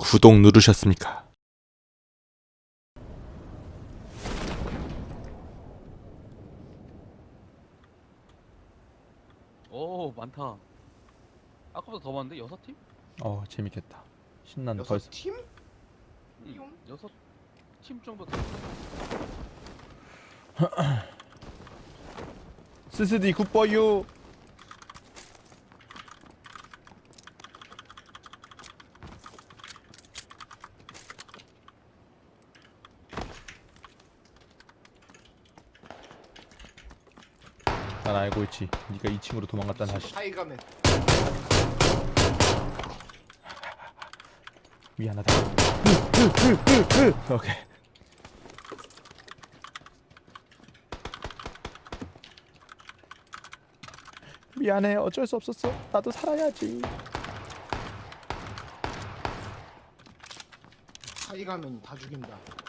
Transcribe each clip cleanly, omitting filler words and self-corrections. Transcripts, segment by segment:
구독 누르셨습니까? 오 많다. 아까보다 더 많은데? 6팀? 재밌겠다. 신난다. 여섯 벌써 팀? 응. 6팀 정도 돼. 스스디 굿보유. 난 알고 있지. 네가 2층으로 도망갔다는 사실. 하이가면 미안하다. 오케이. 미안해. 어쩔 수 없었어. 나도 살아야지. 하이가면 다 죽인다.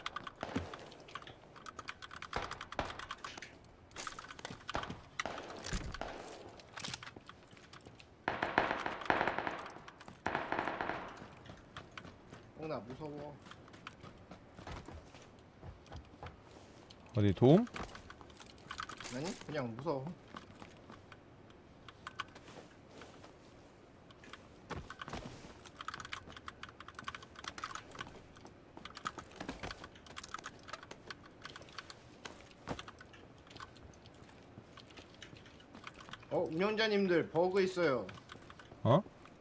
나 무서워. 어디 도움? 아니 그냥 무서워. 운영자님들 버그 있어요. 어?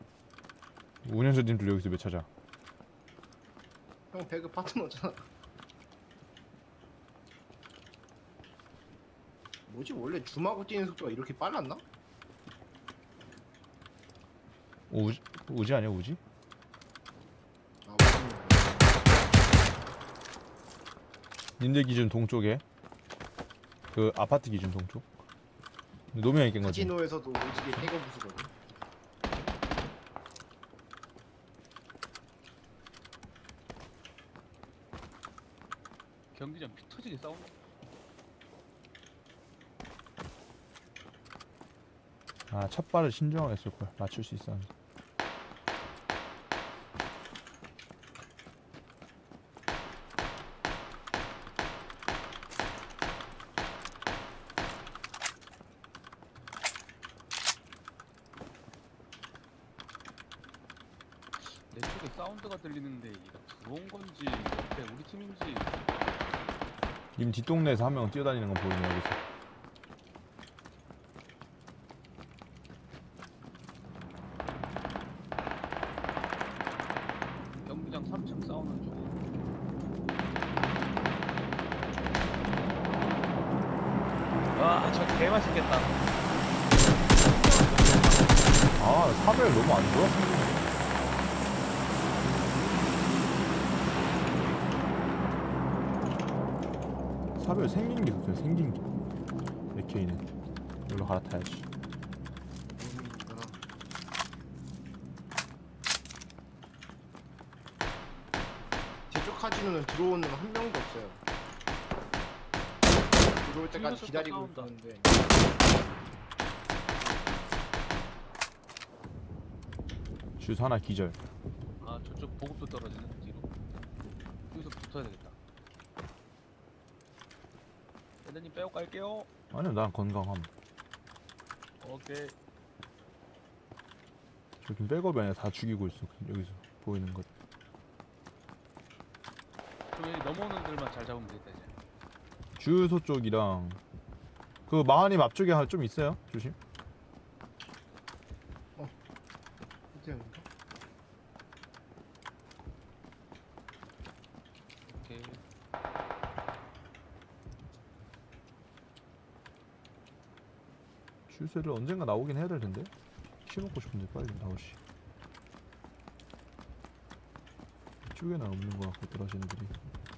운영자님들 여기서 왜 찾아? 형 배그 파트너잖아. 뭐지 원래 줌하고 뛰는 속도가 이렇게 빨랐나? 우지 아니야 우지? 아 무슨 님들 기준 동쪽에 그 아파트 기준 동쪽. 노명이 깬 거지. 카지노에서도 오지게 해거 부수거든. 경기장 피 터지게 싸운다. 첫 발을 신중하게 했을 걸. 맞출 수 있었는데. 내 쪽에 사운드가 들리는데 이거 들어온 건지 옆에 우리 팀인지. 님 뒷동네에서 한 명 뛰어다니는 건 보이네 여기서. 경기장 3층 싸우는 중. 와, 저 개맛있겠다. 사벨 너무 안 좋아? 사벨 생긴 게 좋죠. 생긴 게. AK는 이걸로 갈아타야지. 의미있구나. 제쪽 카지노는 들어오는 한 명도 없어요. 들어올 때까지 뒤에서 기다리고 싸운다. 있는데 슛 하나 기절. 아, 저쪽 보급도 떨어지는 뒤로. 여기서 붙어야 되겠다. 애들님 빼고 갈게요. 아니요 난 건강함. 오케이. 저긴 백업이 아니라 다 죽이고 있어. 여기서 보이는 것. 그럼 여기 넘어오는 들만 잘 잡으면 되겠다 이제. 주유소 쪽이랑 그 마하님 앞쪽에 좀 있어요. 조심. 어때요? 오케이. 주유소를 언젠가 나오긴 해야 될 텐데. 키 먹고 싶은데 빨리 나오시. 이쪽에는 없는 것 같고 들어가시는들이.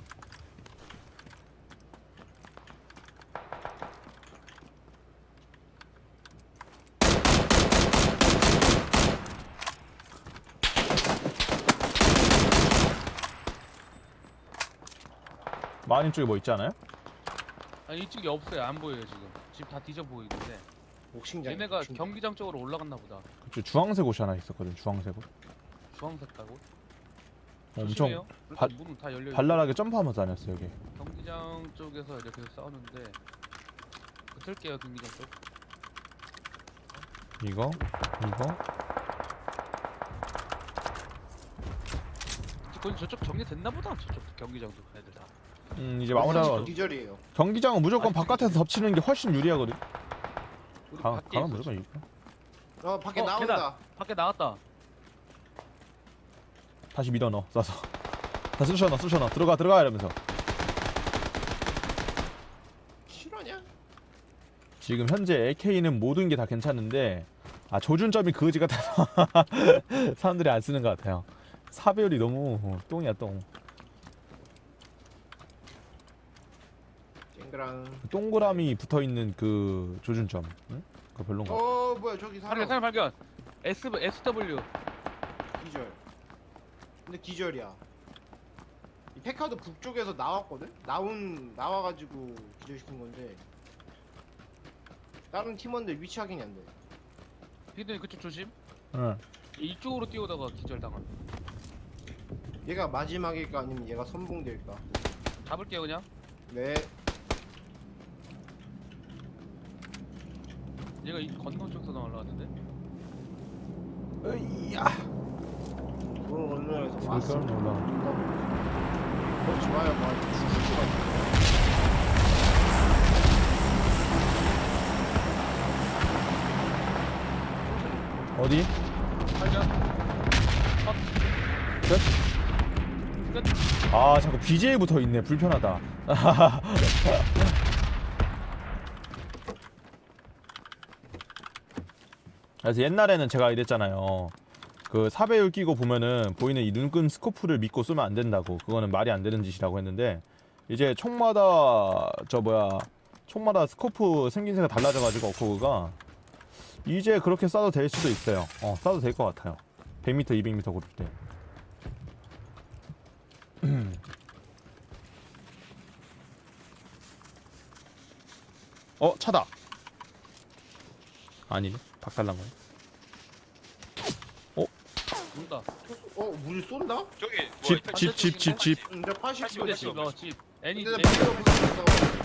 마하님 쪽에 뭐 있지 않아요? 아니 이쪽에 없어요. 안 보여요 지금. 집 다 뒤져 보이는데. 옥신장. 얘네가 경기장 쪽으로 올라갔나 보다. 그쵸 주황색 옷이 하나 있었거든. 주황색 옷. 주황색 가고. 엄청 조심해요. 발- 그렇게 문은 다 열려. 발랄하게 점프하면서 다녔어 여기. 경기장 쪽에서 이렇게 싸우는데 붙을게요 경기장 쪽. 이거 거기 저쪽 정리됐나 보다. 저쪽 경기장도 애들 다. 이제 마무리하고 기절이에요. 경기장은 무조건 아니, 바깥에서 덮치는 게 훨씬 유리하거든. 우리 가면 밖에 있어, 무조건 지금. 이겨. 밖에 어, 나온다. 밖에 나왔다. 다시 밀어 넣어 쏴서. 다 쑤셔 넣어 들어가 이러면서. 실화냐? 지금 현재 AK는 모든 게 다 괜찮은데 조준점이 그지 같아서 사람들이 안 쓰는 것 같아요. 사배율이 너무 똥이야 똥. 쨍그랑. 동그라미 붙어 있는 그 조준점. 응? 그거 별론가? 뭐야 저기 사람 사람 발견. SW. 기절. 근데 기절이야. 이 페카도 북쪽에서 나왔거든? 나와가지고 기절시킨 건데 다른 팀원들 위치 확인이 안 돼. 피드님 그쪽 조심. 응. 이쪽으로 뛰어다가 기절 당한. 얘가 마지막일까 아니면 얘가 선봉될까? 잡을게요 그냥. 네. 얘가 이 건너 쪽에서 올라왔는데. 으이야. 그런 언론에서 지금 왔어. 올라. 좋아요. 뭐 죽을 것 같아. 어디? 발견. 끝? 끝. 자꾸 BJ 붙어 있네. 불편하다. 그래서 옛날에는 제가 이랬잖아요. 그 사배율 끼고 보면은 보이는 이 눈금 스코프를 믿고 쏘면 안 된다고. 그거는 말이 안 되는 짓이라고 했는데 이제 총마다 총마다 스코프 생긴새가 달라져가지고 어코그가 이제 그렇게 쏴도 될 수도 있어요. 쏴도 될 것 같아요. 100m, 200m 고를 때. 차다. 아니네. 박살난 거네. 온다. 물 쏜다? 저기 뭐 집, 있다. 집, 집, 집, 집. 근데 80 집에 집. 집. 애니. 근데 나 비가 붙었어.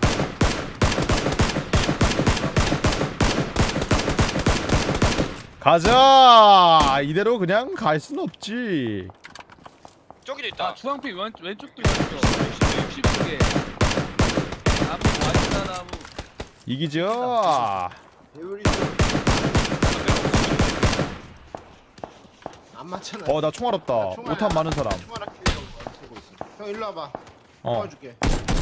가자. 이대로 그냥 갈 순 없지. 저기도 있다. 주황빛 왼쪽도 있어. 60개. 나무 와있다 나무. 이기죠. 배율이 안 맞잖아. 나 총알 없다. 총알 5탄 많은 사람. 총알 아끼려고 안 쓰고 있어. 형 일로 와봐. 도와줄게.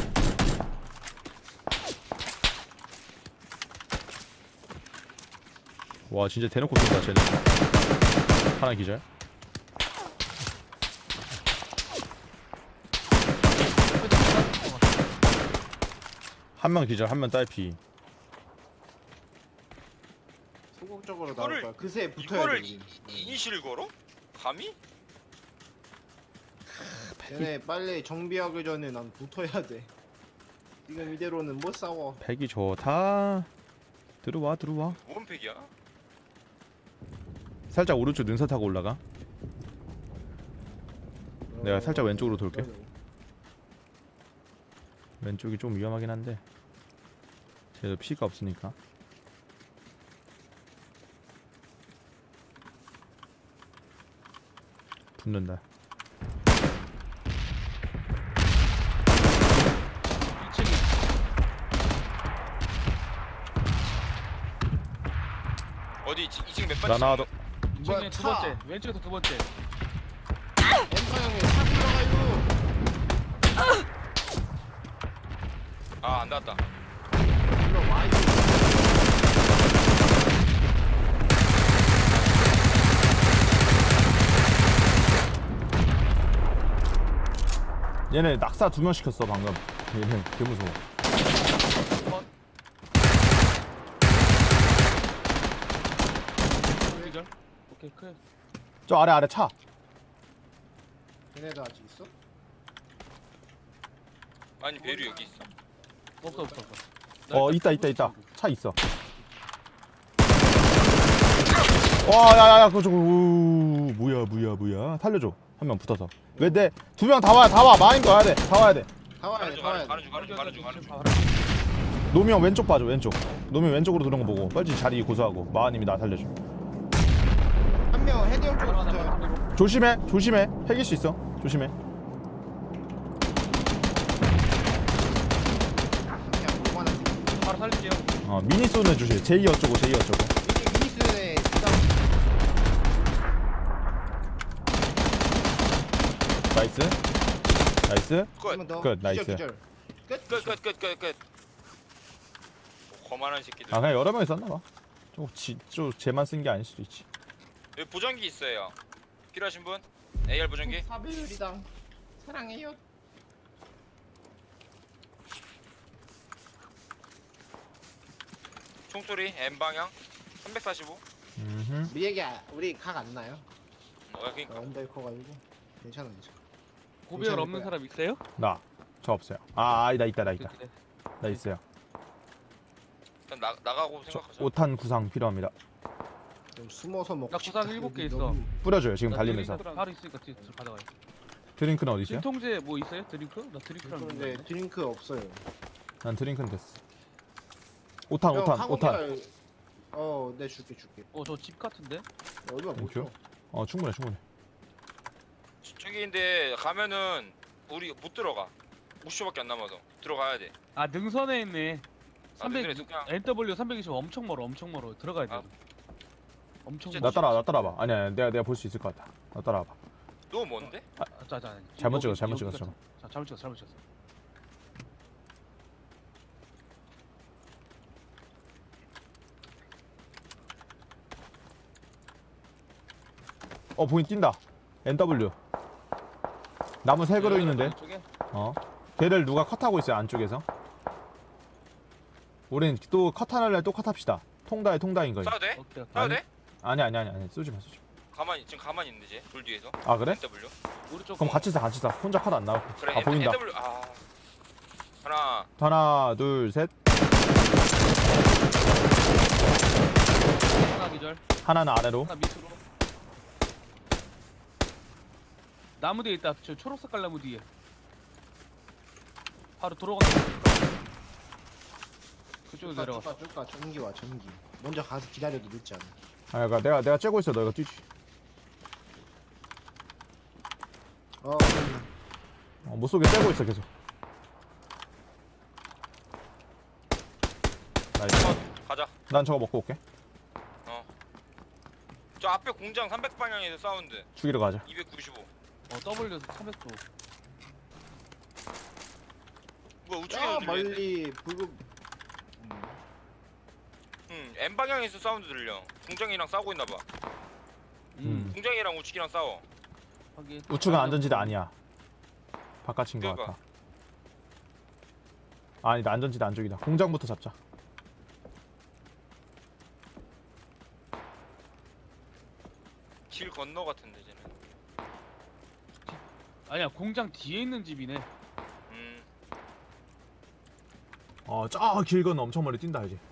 와 진짜 대놓고 쏜다 쟤네. 하나 기절. 한 명 기절, 한 명 딸피. 소극적으로 나올 이거를- 거야. 그새 붙어야 이거를 돼. 우리. 이니시를 걸어? 감히? 얘네 빨리 정비하기 전에 난 붙어야 돼. 지금 이대로는 못 싸워. 팩이 좋다. 들어와. 뭔 팩이야? 살짝 오른쪽 능선 타고 올라가. 내가 살짝 왼쪽으로 돌게. 왼쪽이 좀 위험하긴 한데 쟤도 피가 없으니까. 붙는다. 2층이. 어디 2층 몇 번? 나나도 2층에 두 번째. 왼쪽에서 두 번째. 엠파 형이 차 들어가요. 안 닿았다. 들어와요. 얘네 낙사 2명 시켰어 방금. 얘네 개 무서워. 기절. 오케이 클. 저 아래 차. 얘네도 아직 있어? 아니 배류 여기 있어. 없어. 있다. 차 있어. 와, 야야야, 그거 저거 뭐야. 살려줘. 한 명 붙어서. 왜 내 두 명 다 와 마인 거 와야 돼. 다 와야 돼. 다 와야 돼, 다 와야 돼. 가는 중. 노미 형 왼쪽 봐줘 왼쪽. 노미 형 왼쪽으로 들어온 거 보고 빨리 자리 고수하고 마하님이 나 살려줘. 한 명 헤드형 쪽으로 붙어요. 조심해 핵일 수 있어. 조심해. 그냥 요만한 새끼. 바로 살릴게요. 미니 쏘는 조심. 제이 어쩌고 이게 미니스의 부담. 나이스. 한번 더. 끝, 나이스. 기절. 끝. 끝. 거만한 새끼들. 아 그냥 여러 명이 썼나 봐. 좀 쟤만 쓴 게 아닐 수도 있지. 여기 보정기 있어요. 필요하신 분? AR 보정기? 사배율이당 사랑해요. 총소리 M 방향 345. 우리 각 안 나요. 그러니까 언더 커가지고 괜찮아. 고비열 괜찮을 없는 거야. 사람 있어요? 저 없어요. 나 있다. 그래. 나 있어요. 일단 나가고 저 생각하자. 5탄 구상 필요합니다. 좀 숨어서 먹고 나 구상 싶다. 7개 여기 있어. 너무- 뿌려줘요 지금 나 달리면서. 드링크 바로 있으니까 뒤에 받아가요. 드링크는 어디 있어요? 진통제 뭐 있어요? 드링크? 나 드링크랑 근데 드링크 없어요. 난 드링크는 됐어. 5탄. 네 줄게. 저 집 같은데? 얼마 못 줘. 충분해. 저기인데 가면은 우리 못 들어가. 50초밖에 안 남아서 들어가야 돼. 아 능선에 있네. 아, 300 능선에 그냥- NW 320 엄청 멀어. 들어가야 돼. 아. 엄청 진짜 나 멀어. 따라와. 아니야 내가 볼 수 있을 것 같아. 나 따라와봐. 너무 먼데? 잘못 여기, 찍었어. 여기 같은- 자, 잘못 찍었어. 보인 뛴다. NW. 나무 세 그루 있는데. 쪽에? 걔를 누가 컷하고 있어요 안쪽에서. 우린 또 컷하는 또 컷합시다. 통다인 거지. 싸도 돼? 오케이. 싸도 돼? 아니 쏘지 마. 지금 가만히 있는데 쟤 돌 뒤에서. 아 그래? NW. 우리 쪽. 그럼 같이 사. 혼자 컷 안 나오고. 그래 보인다. NW. 하나. 하나 둘 셋. 하나 기절. 하나는 아래로. 하나 밑으로. 나무 뒤에 있다. 저 초록 색깔 나무 뒤에. 바로 들어간다. 그쪽으로 내려가. 줄까 전기 와 전기. 먼저 가서 기다려도 늦지 않아. 그러니까 내가 째고 있어. 너가 뛰지. 못 쏘게 째고 있어 계속. 나이스. 가자. 난 저거 먹고 올게. 저 앞에 공장 300방향에서 사운드. 죽이러 가자. 295. W 300도. 뭐야 우측에서 야 들리는데? 멀리 불급. M 방향에서 사운드 들려. 공장이랑 싸우고 있나 봐. 공장이랑 우측이랑 싸워. 확인. 우측은 안전지대 아니야. 바깥인 것 그러니까. 같아. 아니다 안전지대 안쪽이다. 공장부터 잡자. 길 건너 같은데 쟤는. 아니야 공장 뒤에 있는 집이네. 저 길 건너 엄청 멀리 뛴다 이제.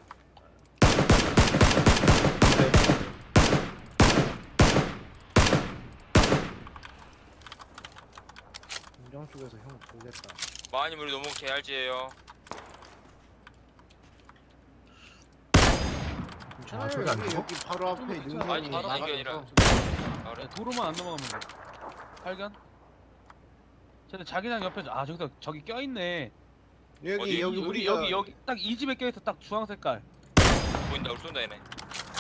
공장 쪽에서 형 보겠다. 마님 우리 너무 개알지예요. 괜찮아요. 저기 안 죽어? 여기 바로 앞에 괜찮아. 능선이 아니, 바로 나가서 이게 아니라. 아, 그래? 도로만 안 넘어가면 돼. 발견. 쟤네 자기장 옆에 저기 껴있네. 여기 어디? 여기 우리가 여기 딱 이 집에 껴있어. 딱 주황 색깔. 보인다. 우리 쏜다 얘네.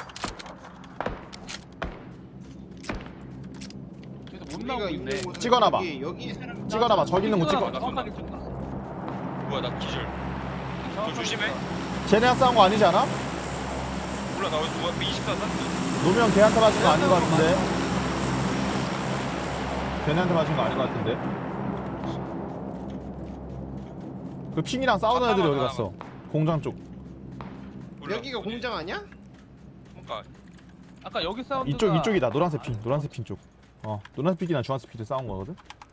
저기서 못 우리가 나오고 있는 있네. 곳은 찍어놔봐. 여기 사람 찍어놔봐. 저기 있는 거 찍어. 나 정확하게 찍어. 뭐야 나 기절. 너 조심해. 쟤네랑 싸운 거 아니지 않아? 몰라 나 어디서 24 쐈어. 노면 걔한테 맞은 거 아닌 것 같은데. 걔네한테 맞은 거 아닌 것 같은데. 그 핑이랑 싸우는 애들이 어디 갔어? 공장 쪽. 몰라. 여기가 어디? 공장 아니야? 그러니까 아까 여기 사운드가 이쪽이다. 노란색 핑 쪽. 노란색 핑이랑 주황색 핑이 싸운 거거든.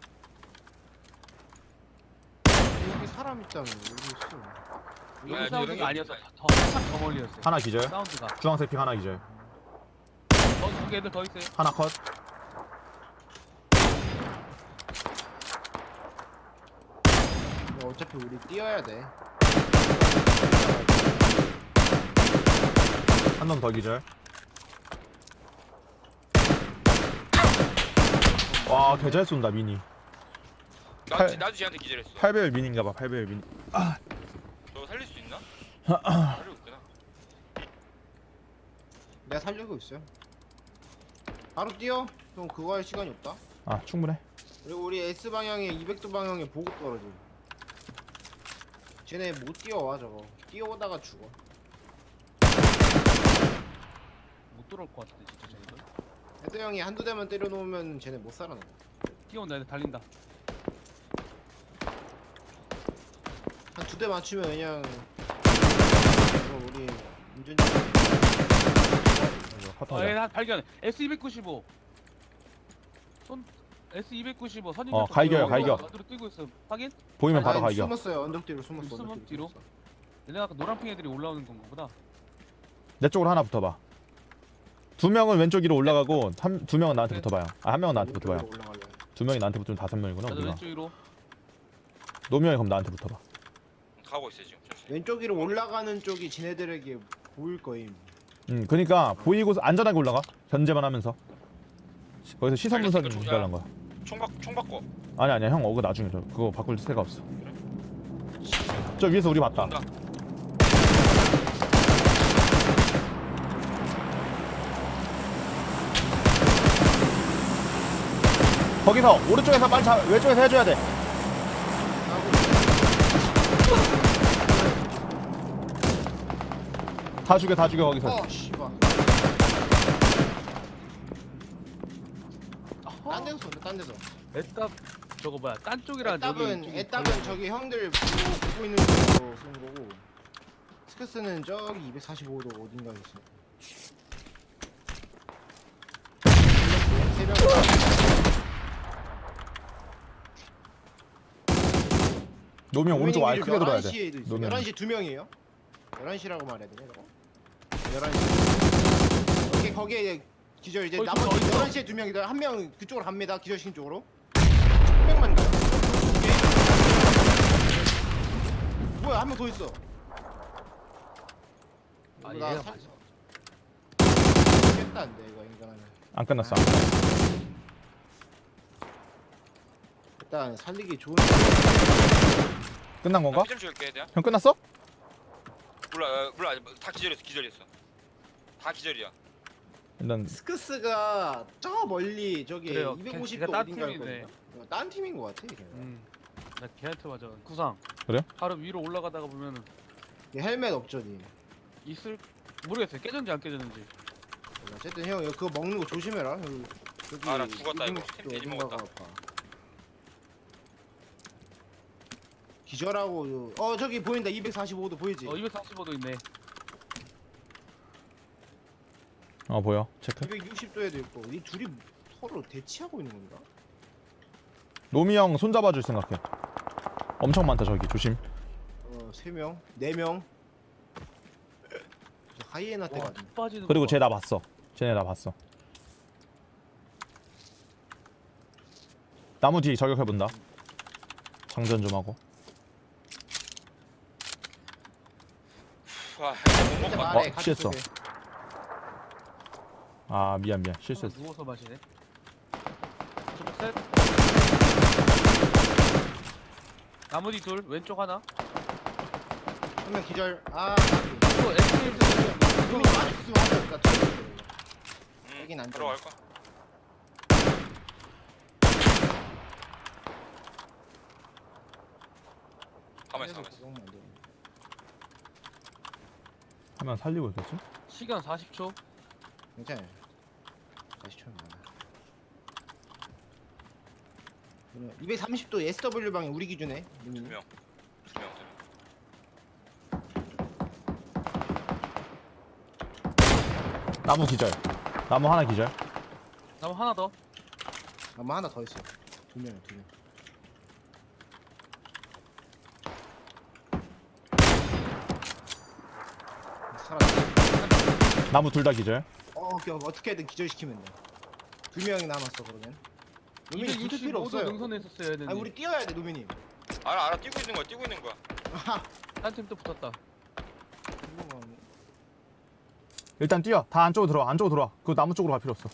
여기 사람 있다며. 여기 있어. 야, 여기 사운드가 여기 아니었어. 더 살짝 더 멀리였어. 하나 기절. 사운드가. 주황색 핑 하나 기절. 거기 애들 더 있어요. 하나 컷. 어차피 우리 뛰어야 돼. 한 놈 더 기절. 와, 개 잘 쏜다 미니. 나도 쟤한테 기절했어. 8배율 미니인가봐. 8배율 미니. 너 살릴 수 있나? 살리고 있구나. 내가 살려고 있어요. 바로 뛰어. 형 그거 할 시간이 없다. 아, 충분해. 그리고 우리 S 방향에 200도 방향에 보급 떨어져. 쟤네 못 뛰어와 저거. 뛰어오다가 죽어. 못 돌아올 것 같은데 진짜 쟤네들. 헤드 형이 한두 대만 때려놓으면 쟤네 못 살아나. 뛰어온다 애들 달린다. 한 두 대 맞추면 그냥 이거 우리 운전자 이거 아, 카타자. 얘 발견. S295. 손 S295 선임. 갈겨요, 갈겨. 안으로 뛰고 있어. 확인? 보이면 바로 아니, 갈겨. 숨었어요. 언덕 뒤로 숨었어. 숨어, 언덕 뒤로? 숨었어. 얘네 아까 노란핑 애들이 올라오는 건가 보다. 내 쪽으로 하나 붙어봐. 2명은 왼쪽 위로 올라가고 2명은 나한테 붙어봐요. 아, 1명은 나한테 붙어봐요. 올라갈래. 2명이 나한테 붙으면 5명이구나 나도 우리가. 왼쪽 위로. 노명이 그럼 나한테 붙어봐. 가고 있어 지금. 잠시. 왼쪽 위로 올라가는 쪽이 지네들에게 보일 거임. 그니까 보이고 안전하게 올라가. 견제만 하면서. 거기서 시선 분석 알겠어, 이거 기다란 거야. 총 바꿔. 아니야 형 어그 나중에 줘. 그거 바꿀 새가 없어. 저 위에서 우리 봤다. 온다. 거기서 오른쪽에서 빨리 왼쪽에서 해줘야 돼. 다 죽여 거기서. 씨발. 딴 데서 쏜다. 딴 데서. 애답 저거 뭐야? 딴 쪽이랑 애답은 저기 형들 보고 있는 쪽으로 쏜 거고. 스크스는 저기 245도 어딘가에 있어. 세 명. 노명 오른쪽 아예 크게 들어야 돼. 11시에도 있어. 노면. 11시 2명이에요? 11시라고 말해야 되네, 저거? 11시. 오케이, 거기에 기절 이제 거기 나머지 좀 더 11시에 2명이다. 한 명 그쪽으로 갑니다. 기절시킨 쪽으로. 한 명만 가요. 오케이. 뭐야, 한 명 더 있어. 아, 나 얘가 살- 맞아. 죽겠다는데, 이거 인간하면. 안 끝났어. 일단 살리기 좋은. 끝난 건가? 피좀 줄게 내가. 형 끝났어? 몰라. 다 기절했어. 다 기절이야. 일단 스크스가 저 멀리 저기 그래요. 250도 걔가 딴 어딘가에 팀이네. 있거든요. 딴 팀인 것 같아. 걔가. 나 걔한테 맞아. 구상. 그래? 바로 위로 올라가다가 보면은 얘 헬멧 없죠니. 있을 모르겠어요. 깨졌는지 안 깨졌는지. 어쨌든 형 그거 먹는 거 조심해라. 여기 아, 나 죽었다, 이거. 250도 템 돼지 어딘가가 먹었다. 아파. 기절하고 저기 보인다. 245도 보이지? 245도 있네. 보여. 체크. 260도에도 있고. 이 둘이 서로 대치하고 있는 건가? 노미 형 손잡아줄 생각해. 엄청 많다 저기 조심. 3명, 4명. 하이에나 때 와, 같은. 툭 빠지는 그리고 거 쟤 나 봤어. 쟤네 나 봤어. 나무 뒤 저격해본다. 장전 좀 하고. 와, 못 먹고 왔다. 말해, 취했어. 가슴 속에. 아 미안 봐. 실수했어. 누워서 마시네. 셋. 나머지 둘 왼쪽 하나. 한 명 기절. 아, 이거 S1 이거 맞았으면 하자. 여긴 안 들어갈 거야. 가만히 있어. 하면 살리고 있겠지? 시간 40초. 괜찮아요. 다시 쳐면 많아. 230도 SW 방에 우리 기준에. 두 명. 나무 기절. 나무 하나 기절. 나무 하나 더. 아마 하나 더 있어. 2명. 살았어. 나무 둘 다 기절. 어떻게든 기절시키면 돼. 2명이 남았어 그러면. 노민이 붙을 필요 265도 없어요. 능선에 있었어야 되는데. 아니 우리 뛰어야 돼 노민이. 알아 뛰고 있는 거야. 한 팀 또 붙었다. 일단 뛰어. 다 안쪽으로 들어와. 안쪽으로 들어와. 그 나무 쪽으로 갈 필요 없어.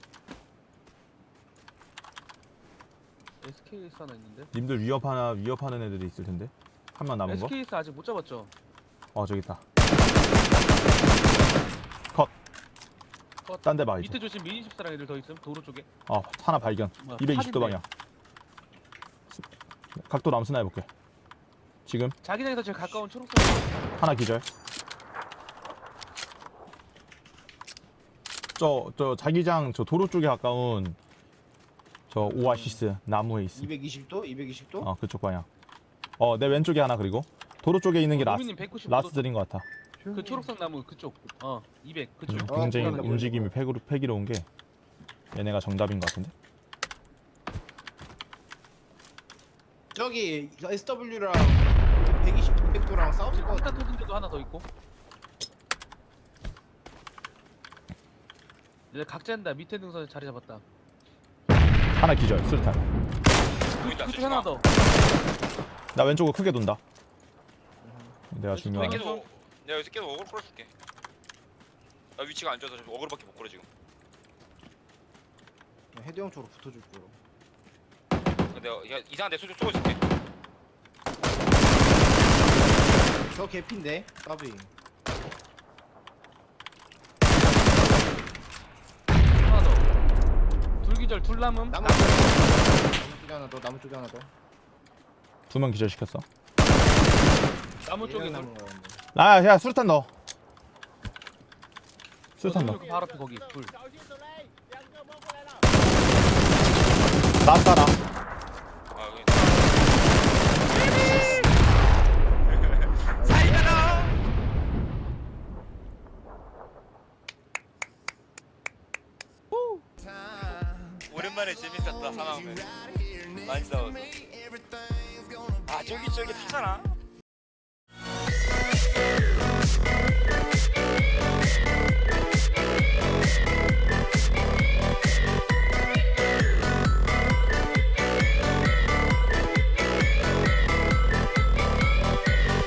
SKS 하나 있는데. 님들 위협하는 애들이 있을 텐데. 한 명 남은 거? SKS 아직 못 잡았죠? 저기 있다. 컷. 딴 데 봐 이제. 밑에 조심 미니 14랑 애들 더 있음. 도로 쪽에. 하나 발견. 뭐야, 220도 팔인데. 방향. 각도 남스나 해볼게. 지금 자기장에서 제일 가까운 초록색. 하나 기절. 저 자기장 저 도로 쪽에 가까운 저 오아시스 나무에 있음. 220도? 220도? 그쪽 방향. 내 왼쪽에 하나 그리고 도로 쪽에 있는 게 노미님 195도. 라스트인 것 같아. 그 초록색 나무 그쪽. 200 그쪽. 굉장히 보인다, 움직임이 패기로운 게 얘네가 정답인 것 같은데. 저기 SW랑 120, 200도랑 싸울 것 같아. 일단 터진 데도 하나 더 있고. 이제 각자한다. 밑에 능선에 자리 잡았다. 하나 기절 술탄. 보인다. 그쪽 하나 더. 나 왼쪽으로 크게 돈다. 내가 왼쪽 중요한. 왼쪽. 내가 여기서 계속 어그로 끌어줄게. 나 위치가 안 좋아서 지금 어그로밖에 못 끌어 지금. 헤드 형 쪽으로 붙어줄 거로. 내가 이상한 데 쏘고 있을게. 저 개피인데 까비. 하나 더. 둘기절 둘 남음. 나무 쪽에 하나 더. 나무 쪽에 하나 더. 두 명 기절 시켰어. 나무 쪽에 얘가 둘. 남은 거였는데. 야 수류탄 넣어. 수류탄 넣어. 바로 앞에 거기 둘. 라스트 하나. 여기. 사이가라. 오랜만에 재밌었다. 사나우면 많이 싸웠어. 저기 타잖아.